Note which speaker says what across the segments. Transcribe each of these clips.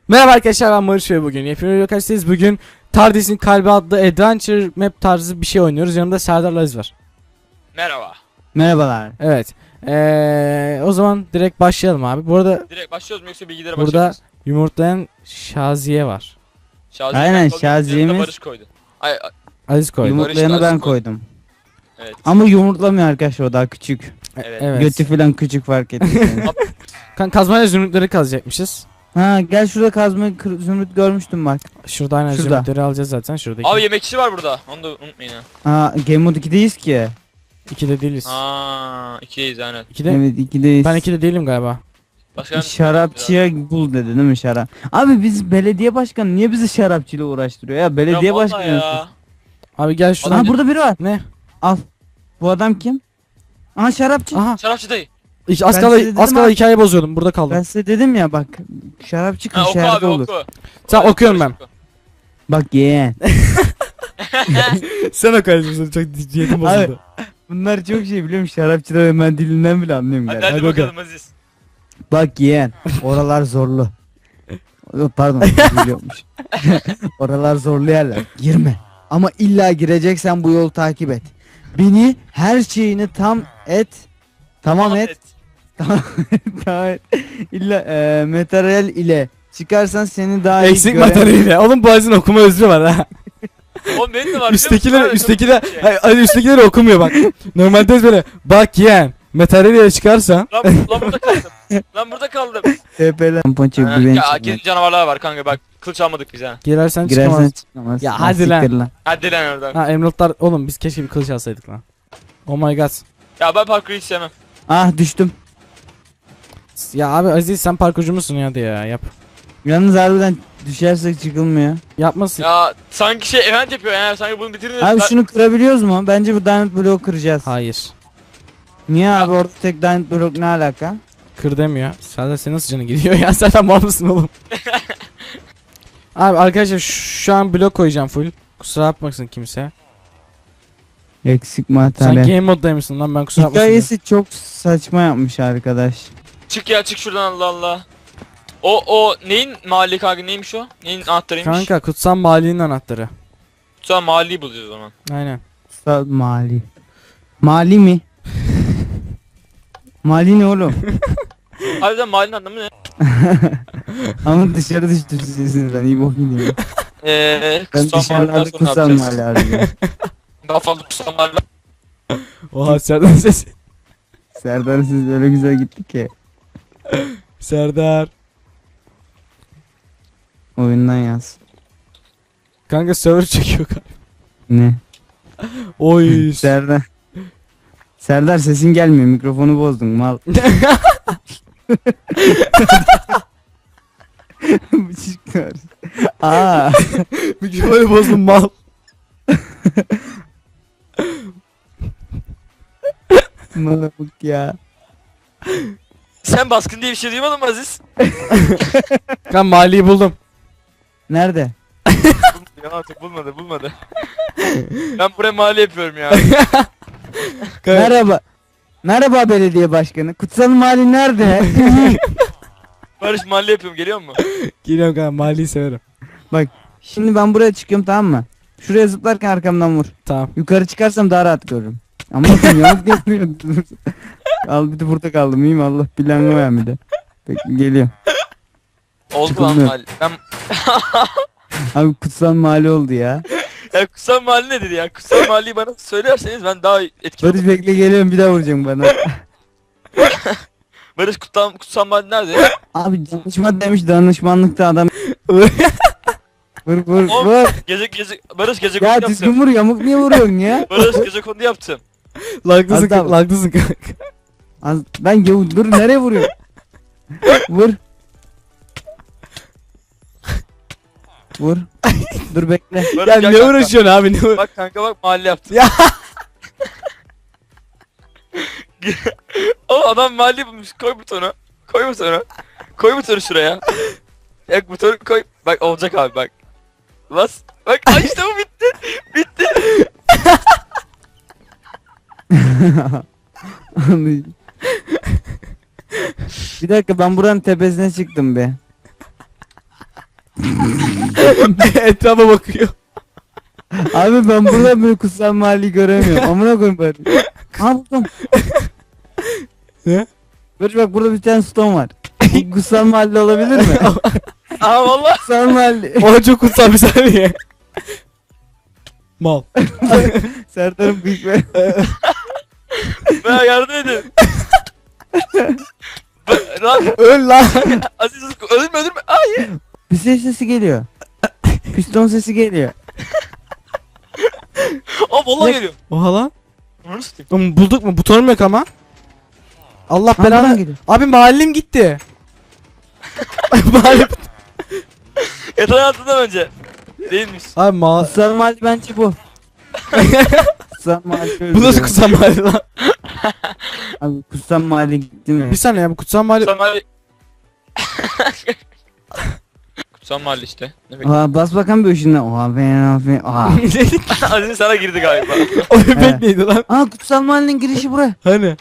Speaker 1: Merhaba arkadaşlar, ben Barış ve bugün yapıyorum arkadaşlarız. Bugün Tardis'in Kalbi adlı Adventure Map tarzı bir şey oynuyoruz. Yanımda Serdar Aziz var.
Speaker 2: Merhaba.
Speaker 3: Merhabalar.
Speaker 1: Evet. O zaman direkt başlayalım abi. Bu arada
Speaker 2: Direkt başlıyoruz mu yoksa bilgilere
Speaker 1: burada
Speaker 2: başlıyoruz?
Speaker 1: yumurtlayan Şaziye var.
Speaker 2: Şaziye
Speaker 3: Aynen,
Speaker 2: ben koydum,
Speaker 3: Şaziye'miz-
Speaker 2: yanına Barış koydu. Ay,
Speaker 1: Aziz koydu.
Speaker 3: Yumurtlayanı
Speaker 2: Barış
Speaker 3: ben
Speaker 2: Aziz koydu.
Speaker 3: koydum.
Speaker 2: evet.
Speaker 3: Ama yumurtlamıyor arkadaşlar, o daha küçük.
Speaker 2: Evet.
Speaker 1: Evet.
Speaker 3: Götü falan küçük, fark ettim.
Speaker 1: Kazmayla zümrütleri kazacakmışız.
Speaker 3: Ha, gel şurada kazma zümrüt görmüştüm bak.
Speaker 1: Şurada aynen
Speaker 3: Şurada.
Speaker 1: zümrütleri alacağız zaten. Şuradaki.
Speaker 2: Abi yemekçi var burada. Onu da unutmayın ha.
Speaker 3: Ha, Game Mode 2'deyiz ki.
Speaker 1: 2'de değiliz.
Speaker 2: Aa, ikideyiz aynen.
Speaker 1: 2'de.
Speaker 3: Evet, 2'deyiz.
Speaker 1: Ben 2'de değilim galiba.
Speaker 2: Başka
Speaker 3: Şarapçıya bul dedi değil mi şarap? Abi biz belediye başkanı niye bizi şarapçıyla uğraştırıyor ya? Belediye
Speaker 2: ya vallahi
Speaker 3: başkanı.
Speaker 2: ya.
Speaker 1: Abi gel şuradan.
Speaker 3: Ha, burada biri var.
Speaker 1: Ne?
Speaker 3: Al. Bu adam kim? Aha, şarapçı.
Speaker 1: Aha.
Speaker 2: Şarapçı dayı.
Speaker 1: Az
Speaker 3: Ben size
Speaker 1: kala
Speaker 3: dedim
Speaker 1: az kala
Speaker 3: abi.
Speaker 1: hikaye bozuyordum. Burada kaldım.
Speaker 3: Ben size dedim ya bak. Şarapçı
Speaker 2: Ha, oku
Speaker 3: kırşehirde
Speaker 2: abi
Speaker 3: olur.
Speaker 2: oku.
Speaker 1: Sen
Speaker 2: Oku,
Speaker 1: okuyorum
Speaker 2: Barış
Speaker 1: ben.
Speaker 2: oku.
Speaker 3: Bak yeğen.
Speaker 1: Sen okuyorsun. Çok ciddiyetім
Speaker 3: bozuldu. Bunlar çok şey biliyorum, şarapçılar hemen dilinden bile anlıyorum
Speaker 2: Hadi
Speaker 3: galiba.
Speaker 2: hadi bakalım Aziz.
Speaker 3: Bak yeğen, oralar zorlu. Yok, pardon, biliyormuş. Oralar zorlu yerler. Girme. Ama illa gireceksen bu yolu takip et. Beni her şeyini tam et. Tamam et. Tamam et. İlla materyal ile çıkarsan seni daha iyi
Speaker 1: Eksik
Speaker 3: gören-
Speaker 1: materyaliyle. Oğlum bu Aziz'in okuma özrü var ha.
Speaker 2: Oğlum benim de var.
Speaker 1: Üsttekileri okumuyor bak. Normalde böyle bak yeğen materyaliyle çıkarsan.
Speaker 2: Lan burada kaldım. Lan burada kaldım.
Speaker 3: TP'den ponçik
Speaker 2: Ha,
Speaker 3: güvenç.
Speaker 2: ya kendi canavarlar var kanka bak. Kılıç almadık biz ha.
Speaker 1: Girersen
Speaker 3: Girersen
Speaker 1: çıkamaz.
Speaker 3: çıkamazsın.
Speaker 1: Ya hadi lan.
Speaker 3: siktir
Speaker 2: Hadi lan oradan.
Speaker 1: Ha emeraldlar oğlum biz keşke bir kılıç alsaydık lan. Oh my god.
Speaker 2: Ya ben parkuru hiç sevmem.
Speaker 3: Ah, düştüm.
Speaker 1: Ya abi Aziz sen parkurcu musun ya hadi ya yap.
Speaker 3: Yalnız harbiden düşersek çıkılmıyor.
Speaker 1: Yapmasın.
Speaker 2: Ya sanki şey event yapıyor yani sanki bunu bitirin.
Speaker 3: Abi şunu kırabiliyoruz mu? Bence bu diamond bloğu kıracağız.
Speaker 1: Hayır.
Speaker 3: Niye abi, orada tek diamond blok ne alaka?
Speaker 1: Kır demiyor. Serdar senin nasıl canı gidiyor ya sen mal mısın oğlum? Abi arkadaşlar şu an blok koyacağım full. Kusura bakmasın kimse.
Speaker 3: Eksik
Speaker 1: Sen
Speaker 3: materyal.
Speaker 1: game moddaymışsın lan ben kusura bakmasın.
Speaker 3: Hikayesi çok saçma yapmış arkadaş.
Speaker 2: Çık ya çık şuradan Allah Allah. O neyin mahalli kanka neymiş o? Neyin anahtarıymış?
Speaker 1: Kanka kutsal mali'nin anahtarı.
Speaker 2: Sonra mahalliyi bulacağız o zaman.
Speaker 1: Aynen.
Speaker 3: Mali. Mali mi? Mali ne oğlum?
Speaker 2: Harbiden mahallinin anlamı ne?
Speaker 3: Ama dışarı düştü sesinizden, iyi bok gidiyor. Ben
Speaker 2: Kutsal mahalliden
Speaker 3: dışarılarda
Speaker 2: sonra ne
Speaker 3: kutsal
Speaker 2: yapacağız?
Speaker 3: mali arıyorum.
Speaker 2: Daha fazla kutsal mahalle.
Speaker 1: Oha Serdar sesi.
Speaker 3: Serdar, siz öyle güzel gittik ki.
Speaker 1: Serdar.
Speaker 3: Oyundan yaz.
Speaker 1: Kanka server çekiyor kanka.
Speaker 3: Ne?
Speaker 1: Oy.
Speaker 3: Serdar. Serdar, sesin gelmiyor, mikrofonu bozdun mal. Bu çıkıyor. Aa.
Speaker 1: Mikrofonu bozdum mal.
Speaker 3: Malak ya.
Speaker 2: Sen baskın diye bir şey duymadın mı Aziz?
Speaker 1: Ben maliyi buldum.
Speaker 3: Nerede?
Speaker 2: Ya artık bulmadı. Ben buraya mahalle yapıyorum ya.
Speaker 3: Merhaba. Merhaba belediye başkanı. Kutsal Mali nerede?
Speaker 2: Barış mahalle yapıyorum geliyor mu?
Speaker 1: Geliyorum kanka maliyi severim.
Speaker 3: Şimdi ben buraya çıkıyorum, tamam mı? Şuraya zıplarken arkamdan vur.
Speaker 1: Tamam.
Speaker 3: Yukarı çıkarsam daha rahat görürüm. Ama yamuk yapmıyor. Al, bir de burada kaldım, iyi mi? Allah bilen var bir de. Peki, geliyorum.
Speaker 2: Oldu lan
Speaker 3: Çıkılmıyor.
Speaker 2: mahalle. Ben
Speaker 3: Abi kutsal Mali oldu ya.
Speaker 2: ya kutsal mahalle nedir ya? Kutsal mahalleyi bana söylerseniz ben daha etkili
Speaker 3: Barış,
Speaker 2: olurum.
Speaker 3: bekle, geliyorum, bir daha vuracağım bana.
Speaker 2: Barış kutsal mahalle nerede?
Speaker 3: Abi danışma demiş, danışmanlıkta adam. Vur
Speaker 2: Oğlum,
Speaker 3: vur.
Speaker 2: Barış gece
Speaker 3: Ya
Speaker 2: kondu
Speaker 3: düzgün
Speaker 2: yaptım.
Speaker 3: vur, yamuk niye vuruyorsun ya?
Speaker 2: Barış gece kondu yaptım.
Speaker 1: Laglısın
Speaker 3: Az daha
Speaker 1: kanka. Laglısın kanka.
Speaker 3: Ben dur, nereye vuruyor? Vur. Vur. Dur bekle.
Speaker 2: Barış
Speaker 1: Ya
Speaker 2: gel
Speaker 1: ne
Speaker 2: kanka.
Speaker 1: uğraşıyorsun abi ne uğraşıyorsun?
Speaker 2: Bak kanka bak mahalle yaptım.
Speaker 1: Ya.
Speaker 2: O adam mahalle bulmuş. Koy butonu. Koy butonu şuraya. Ya butonu koy. Bak olacak abi bak. Bas. Bak ay işte bu bitti. Bitti.
Speaker 3: Bir dakika, ben buranın tepesine çıktım be.
Speaker 1: Etrafa bakıyor.
Speaker 3: Abi ben burada böyle kutsal mahalleyi göremiyorum. Amına koyayım bari. Ha buldum.
Speaker 1: Ne?
Speaker 3: Barış bak burada bir tane stone var. Bu kutsal mahalle olabilir mi?
Speaker 2: Aa valla.
Speaker 3: Kutsal mahalle.
Speaker 1: O çok kutsal bir saniye. Mal.
Speaker 3: Serdar'ın büyük bir...
Speaker 2: Ben yardım edin. Lan
Speaker 1: Öl lan.
Speaker 2: Aziz öldürme. Hayır.
Speaker 3: Bir sesi geliyor. Piston sesi geliyor.
Speaker 2: Aa vallahi geliyor.
Speaker 1: Oha lan.
Speaker 2: Onu satayım.
Speaker 1: Oğlum bulduk mu? Butonum yok ama. Allah
Speaker 3: Ha, buradan
Speaker 1: belanı.
Speaker 3: geliyor.
Speaker 1: Abi mahallim gitti. Mahallem.
Speaker 2: Yatağın altından önce. Değilmiş.
Speaker 1: Abi
Speaker 3: Kutsal mahalle bence bu. Kutsal mahalle.
Speaker 1: bu nasıl kutsal mahalle lan?
Speaker 3: Abi kutsal mahalle gitti mi?
Speaker 1: Bir saniye ya bu kutsal mahalle.
Speaker 2: Kutsal mahalle. Kutsal mahalle işte. Ne bekliyorsun?
Speaker 3: Oha bas bakalım bir ışığına. Oha ben oha.
Speaker 2: Aziz sana girdi galiba.
Speaker 1: O bebek
Speaker 3: Evet.
Speaker 1: neydi lan?
Speaker 3: Aa kutsal mahallenin girişi buraya.
Speaker 1: Hani?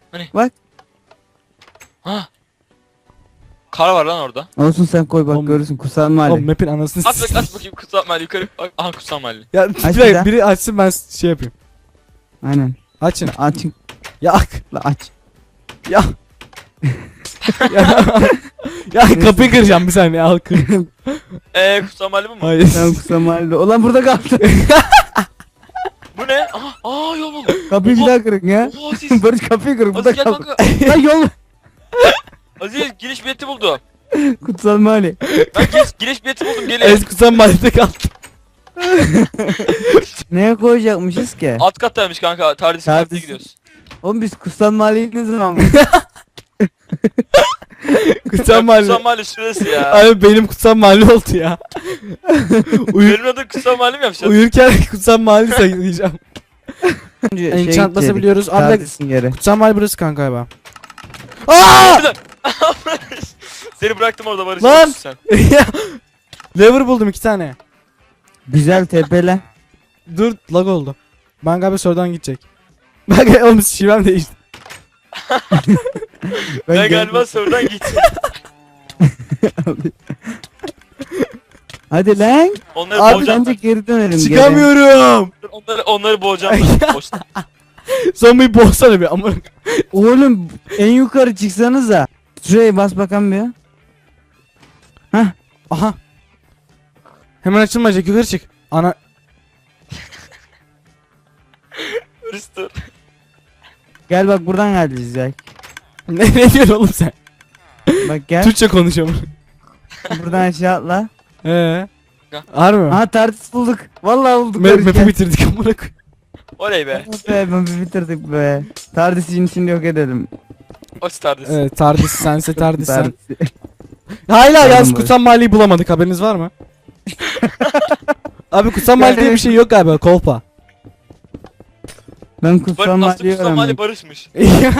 Speaker 2: Ha. Kar var lan orada.
Speaker 3: Olsun sen koy bak
Speaker 1: Oğlum-
Speaker 3: görürsün kutsal mahalle.
Speaker 1: Oğlum map'in anasını
Speaker 2: Aç bakayım kutsal mahalle yukarı. Aha kutsal mahalle.
Speaker 1: Ya
Speaker 3: Aç bir
Speaker 1: bir
Speaker 3: daha.
Speaker 1: biri açsın ben şey yapayım.
Speaker 3: Aynen.
Speaker 1: Açın.
Speaker 3: Açın.
Speaker 1: Ya ak.
Speaker 3: La aç.
Speaker 1: Ya. ya. Ya kapıyı kıracağım bir saniye al kır.
Speaker 2: Kutsal mahalle bu mu?
Speaker 1: Hayır.
Speaker 3: Sen kutsal mahalle. Ulan burada kaldı.
Speaker 2: Bu ne? Aha yol oldu.
Speaker 3: Kapıyı bir daha kırın ya.
Speaker 2: Oha Aziz.
Speaker 3: Barış kapıyı kırın. Burada
Speaker 2: Aziz gel
Speaker 3: kaldı.
Speaker 2: kanka.
Speaker 3: Lan yol.
Speaker 2: Aziz giriş bileti buldu.
Speaker 3: Kutsal mahalle.
Speaker 2: Ben giriş bileti buldum gelin.
Speaker 1: Evet kutsal mahallede kaldı.
Speaker 3: Neye koyacakmışız ki?
Speaker 2: Alt kattaymış kanka. Tardis
Speaker 3: Tardis.
Speaker 2: kattaya gidiyoruz.
Speaker 3: Oğlum biz kutsal mahalleyi ne zaman
Speaker 1: Kutsal mahalle.
Speaker 2: Kutsal mahalle şurası ya.
Speaker 1: Abi benim kutsal mahalle oldu ya.
Speaker 2: Benim adım kutsal mahalle mi yapacağız?
Speaker 1: Uyurken kutsal mahalle sayılacağım. Enchant basabiliyoruz. Abi
Speaker 3: Tardisin yere.
Speaker 1: kutsal mahalle burası kanka galiba. Aa!
Speaker 2: Seni bıraktım orada Barış.
Speaker 1: Lan!
Speaker 2: Sen.
Speaker 1: Lever buldum 2 tane.
Speaker 3: Güzel tepele.
Speaker 1: Dur lag oldu. Ben galiba sorudan gidecek. Bak oğlum şivem değişti.
Speaker 2: Ben galiba sorudan gittim.
Speaker 3: Hadi lan.
Speaker 2: Onları
Speaker 1: Abi
Speaker 2: boğacağım.
Speaker 3: Bence geri dönelim. geri.
Speaker 1: Çıkamıyorum.
Speaker 2: Onları boğacağım ben. Boşta.
Speaker 1: Zombiyi boğsana bir ama.
Speaker 3: Oğlum en yukarı çıksanıza. Şuraya bas bakalım bir.
Speaker 1: Aha. Hemen açılmayacak yukarı çık. Ana.
Speaker 2: Barış dur.
Speaker 3: Gel bak buradan geleceğiz ya.
Speaker 1: Ne diyorsun oğlum sen?
Speaker 3: Bak gel.
Speaker 1: Türkçe konuşuyorum.
Speaker 3: Buradan aşağı atla.
Speaker 1: Harbi mi?
Speaker 3: Aha tartış bulduk. Vallahi bulduk. Barış,
Speaker 1: Map'i
Speaker 3: gel.
Speaker 1: bitirdik amına koyayım.
Speaker 2: Oley be.
Speaker 3: Be, map'i bitirdik be. Tardis'in içinde yok edelim.
Speaker 2: O Tardis.
Speaker 1: Evet Tardis sense Tardis sen.
Speaker 3: Tardis'i.
Speaker 1: Hala
Speaker 3: Pardon
Speaker 1: yalnız
Speaker 3: Barış.
Speaker 1: kutsal mahalleyi bulamadık haberiniz var mı? Abi kutsal mahalle diye bir şey yok galiba kolpa.
Speaker 3: Ben kutsal
Speaker 2: Aslında
Speaker 3: mahalleyi
Speaker 2: kutsal mahalle
Speaker 3: öğrendim.
Speaker 2: Barış'mış.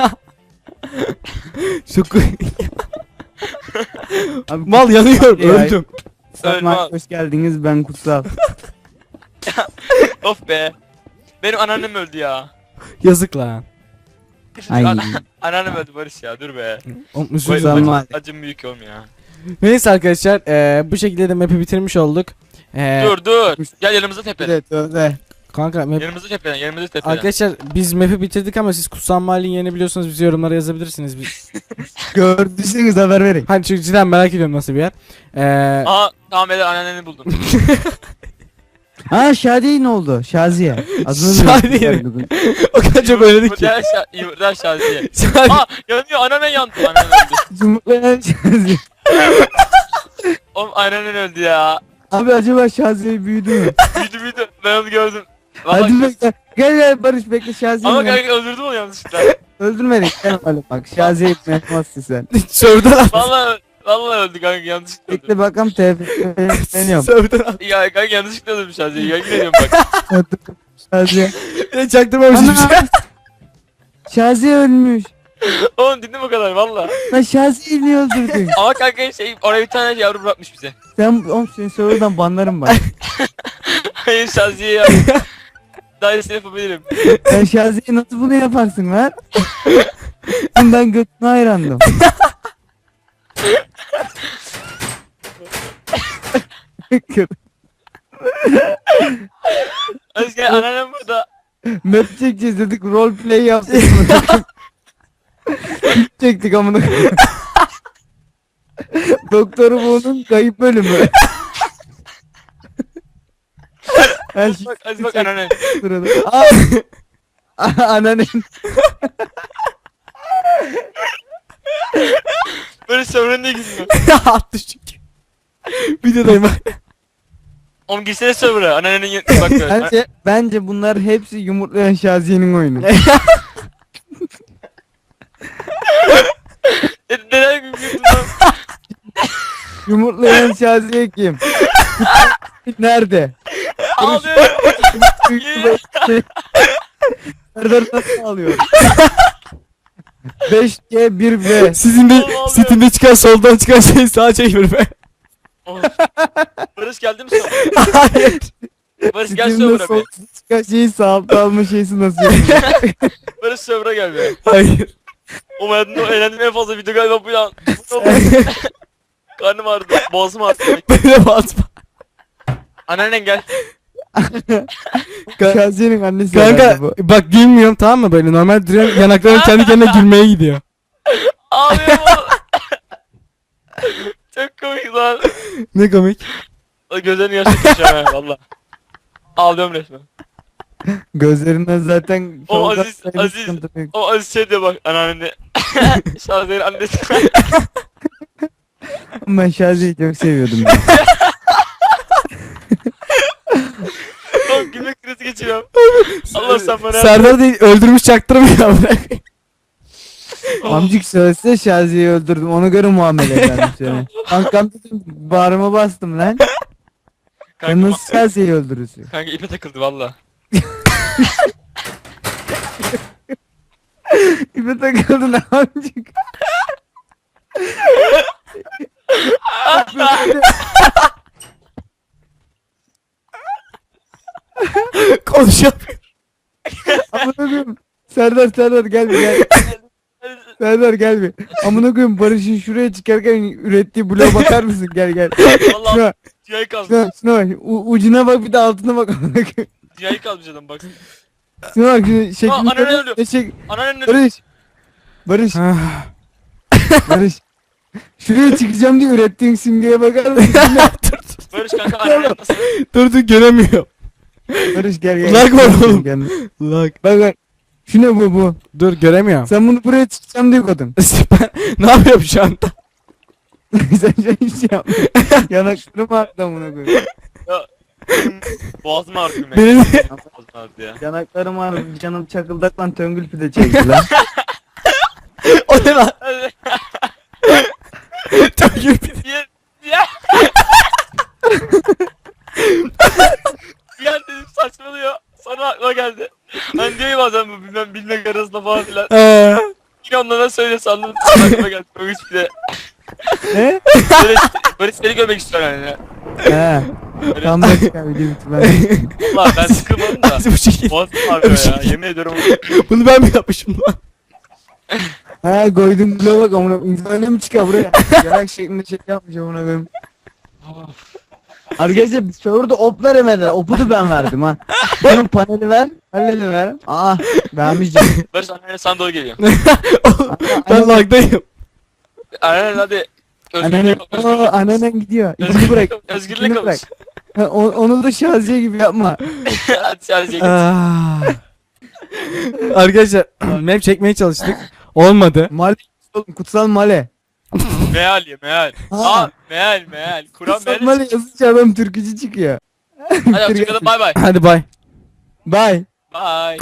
Speaker 1: Çok
Speaker 3: Abi,
Speaker 1: mal yanıyorum
Speaker 3: Ya.
Speaker 1: öldüm.
Speaker 3: kutsal
Speaker 2: Ölme.
Speaker 3: mahalle hoş geldiniz ben kutsal.
Speaker 2: Of be. Benim anneannem öldü ya.
Speaker 1: Yazık lan.
Speaker 3: Ay.
Speaker 2: Anneannem öldü Barış ya dur be.
Speaker 1: Oğlum,
Speaker 2: Bu
Speaker 1: üzüldüm.
Speaker 3: Kutsal
Speaker 2: acım,
Speaker 3: mahalle.
Speaker 2: acım büyük oğlum ya.
Speaker 1: Neyse arkadaşlar bu şekilde de map'i bitirmiş olduk.
Speaker 2: Dur. Gel yanımıza tepeden.
Speaker 3: Evet öyle.
Speaker 1: Kanka map...
Speaker 2: Yanımıza tepeden.
Speaker 1: Arkadaşlar biz map'i bitirdik ama siz kutsal mahalleyi yeni biliyorsanız bize yorumlara yazabilirsiniz. Biz...
Speaker 3: Gördüyseniz haber verin.
Speaker 1: Hani çünkü cidden merak ediyorum nasıl bir yer.
Speaker 2: Aha tamam ben anneanneni buldum.
Speaker 3: Ha Şadiye ne oldu? Şaziye. Adını
Speaker 1: Şadiye.
Speaker 3: bilmiyorum.
Speaker 1: O kadar çok oynadık ki.
Speaker 2: Yumurtalar Şaziye.
Speaker 1: Şadiye.
Speaker 2: Aa yanıyor anneannen yandı. Anneannen öldü.
Speaker 3: Cumhurbaşkanı Şaziye.
Speaker 2: Oğlum anneannen öldü ya.
Speaker 3: Abi acaba Şaziye büyüdü mü?
Speaker 2: Büyüdü. Ben onu gördüm.
Speaker 3: Hadi
Speaker 2: Vallahi
Speaker 3: bekle. Gel Barış bekle Şaziye.
Speaker 2: ama kanka öldürdüm onu yanlışlıkla.
Speaker 3: Öldürmedik. Gel öyle bak. Şaziye yapmazsın sen.
Speaker 1: Sövden at.
Speaker 2: Vallahi öldü kanka yanlışlıkla öldü.
Speaker 3: Bekle bakalım TF'leniyorum.
Speaker 1: Sövden at.
Speaker 2: Ya kanka yanlışlıkla öldüm Şaziye. Yemin ediyorum bak.
Speaker 3: Şaziye.
Speaker 1: Bir de çaktırmamışım.
Speaker 3: Ana! Şaziye ölmüş.
Speaker 2: Oğlum dinle o kadar valla.
Speaker 3: Lan Şaziye'yi niye öldürdün?
Speaker 2: Ama kanka oraya bir tane yavru bırakmış bize.
Speaker 3: Sen oğlum seni sonradan banlarım bak.
Speaker 2: Hayır Şaziye ya. Daha iyisini yapabilirim.
Speaker 3: Sen Şaziye'ye nasıl bunu yaparsın lan? Ben götüne hayrandım.
Speaker 2: Özge anneannem burada.
Speaker 3: Map çekeceğiz dedik, roleplay yaptık. Çektik amına koyayım. Doktoru bunun kayıp bölümü. Her şey
Speaker 2: Hadi bak anneannem.
Speaker 3: sırada. Ananen.
Speaker 2: Böyle sömürün ne gülüyor?
Speaker 1: Attı çünkü. Videodayım bak.
Speaker 2: Oğlum girsene server'a. Anneannenin yanına bak böyle.
Speaker 3: Bence bunlar hepsi yumurtlayan Şaziye'nin oyunu.
Speaker 2: Neden gülüyorsun lan?
Speaker 3: Yumurtlayan Şaziye kim? Nerede?
Speaker 2: Ağlıyorum.
Speaker 3: Serdar nasıl ağlıyor? 5G 1V.
Speaker 1: Sizin de
Speaker 2: Oğlum,
Speaker 1: Steam'de çıkan soldan çıkan şey sağa çevir be.
Speaker 2: Of. Barış geldi mi sonra?
Speaker 1: Hayır.
Speaker 2: Barış gel
Speaker 3: Steam'de
Speaker 2: server'a
Speaker 3: sol
Speaker 2: be.
Speaker 3: çıkan şeyi sağ alta alma şeysi nasıl yapıyor?
Speaker 2: Barış server'a gel be.
Speaker 1: Hayır.
Speaker 2: O hayatımda eğlendiğim en fazla video galiba bu ya. Karnım ağrıdı. Boğazım ağrıdı.
Speaker 1: Böyle basma.
Speaker 2: Anneannen gel.
Speaker 3: Şaziye'nin annesi
Speaker 1: Kanka
Speaker 3: herhalde bu.
Speaker 1: bak gülmüyorum tamam mı böyle normal duruyorum yanaklarım kendi kendine gülmeye gidiyor.
Speaker 2: Ağlıyorum oğlum. Çok komik lan.
Speaker 1: Ne komik.
Speaker 2: Gözlerini yaşatacağım ha valla. Ağlıyorum resmen.
Speaker 3: Gözlerinden zaten
Speaker 2: O
Speaker 3: soldan
Speaker 2: Aziz-
Speaker 3: sayılı
Speaker 2: Aziz-
Speaker 3: sıkıntı yok.
Speaker 2: O Aziz şey diyor bak anneanne. Şahzerin annesi.
Speaker 3: Ben Şaziye'yi çok seviyordum ya.
Speaker 2: Oğlum gülmek krizi geçiriyorum. Allah sen bana
Speaker 1: Serdar değil öldürmüş çaktırmıyor.
Speaker 3: Amcık söylese Şaziye'yi öldürdüm, ona göre muamele ederdim seni. Kankam dedim, bağrıma bastım lan. Sen
Speaker 2: Kanka,
Speaker 3: nasıl Şaziye'yi öldürürsün?
Speaker 2: kanka ipe takıldı valla.
Speaker 3: İpe takıldın amcık.
Speaker 1: Konuşamıyor.
Speaker 3: Amına koyayım. Serdar gel bir gel. Serdar gel bir. Amına koyayım, Barış'ın şuraya çıkarken ürettiği bloğa bakar mısın? Gel.
Speaker 2: Valla
Speaker 3: Şuna,
Speaker 2: dünyayı kazmış.
Speaker 3: şuna bak. Ucuna bak, bir de altına bak amına koyayım.
Speaker 2: Dünyayı kazmış adam bak.
Speaker 3: Şuna bak, şunu şeklini
Speaker 2: anne
Speaker 3: görüyor
Speaker 2: ölüyor.
Speaker 3: musun?
Speaker 2: Anneannen ne?
Speaker 3: Barış. Barış. Şuraya çıkacağım diye ürettiğin simgeye bakar mısın?
Speaker 2: Barış kanka anneannen nasıl?
Speaker 1: dur göremiyorum.
Speaker 3: Barış gel.
Speaker 1: Lag var oğlum.
Speaker 3: Gel.
Speaker 1: Lag.
Speaker 3: Bak. Şu ne bu?
Speaker 1: Dur göremiyorum.
Speaker 3: Sen bunu buraya çıkacağım diye koydun.
Speaker 1: Ben ne yapıyorum şu anda?
Speaker 3: Sen hiç şey yapma. Yanaklarım ağrıdı amına koyayım.
Speaker 2: Benim boğazım ağrıyor.
Speaker 1: Benim
Speaker 2: Boğazım ağrıdı ya.
Speaker 3: Yanaklarım ağrıdı. Canım çakıldak lan, töngül pide çekti lan.
Speaker 1: o ne lan? Çok gülüyor.
Speaker 2: Ya. Bir an dedim saçmalıyor. Sonra aklıma geldi. Hani diyor ya bazen bu bilmek arasında falan filan. Yine onlara söyle sandım. Sonra aklıma geldi. O hiç bile.
Speaker 3: Ne?
Speaker 2: Böyle seni görmek istiyorum yani.
Speaker 3: He. Tam da çıkar video bitirmez.
Speaker 2: Valla ben sıkılmadım da.
Speaker 1: Nasıl bu şekil?
Speaker 2: Boğazım ağrıyor ya. Yemin ediyorum.
Speaker 1: Bunu ben mi yapmışım lan?
Speaker 3: He, koydum bloğa bak amına koyayım. İnsan mi çıkar buraya? Yarak şeklinde şey yapmış amına koyayım. Arkadaşlar biz orada op veremediler. Opu da ben verdim ha. Bunun paneli ver. Paneli ver. Aa. Vermeyeceğim.
Speaker 2: Barış anneanne sana doğru geliyor.
Speaker 1: Ben lagdayım.
Speaker 2: Anneanne hadi.
Speaker 3: Annen, annen gidiyor. İzini bırak.
Speaker 2: Özgürlük
Speaker 3: İzini
Speaker 2: alış.
Speaker 3: bırak. Ha, onu da Şaziye gibi yapma.
Speaker 2: Hadi sadece git.
Speaker 1: Ah. Arkadaşlar map çekmeye çalıştık. Olmadı.
Speaker 3: Male oğlum, kutsal male.
Speaker 2: Meal ya meal.
Speaker 3: Ha.
Speaker 2: Aa meal. Kur'an
Speaker 3: Kutsal
Speaker 2: meal.
Speaker 3: male yazınca adam türkücü çıkıyor.
Speaker 2: Hadi hoşçakalın bay bay.
Speaker 1: Hadi bay.
Speaker 3: Bye.
Speaker 2: Bye.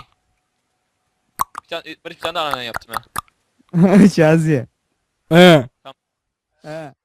Speaker 2: Barış bir tane daha anneanne yaptım ha.
Speaker 3: Şaziye.
Speaker 1: He.
Speaker 3: He.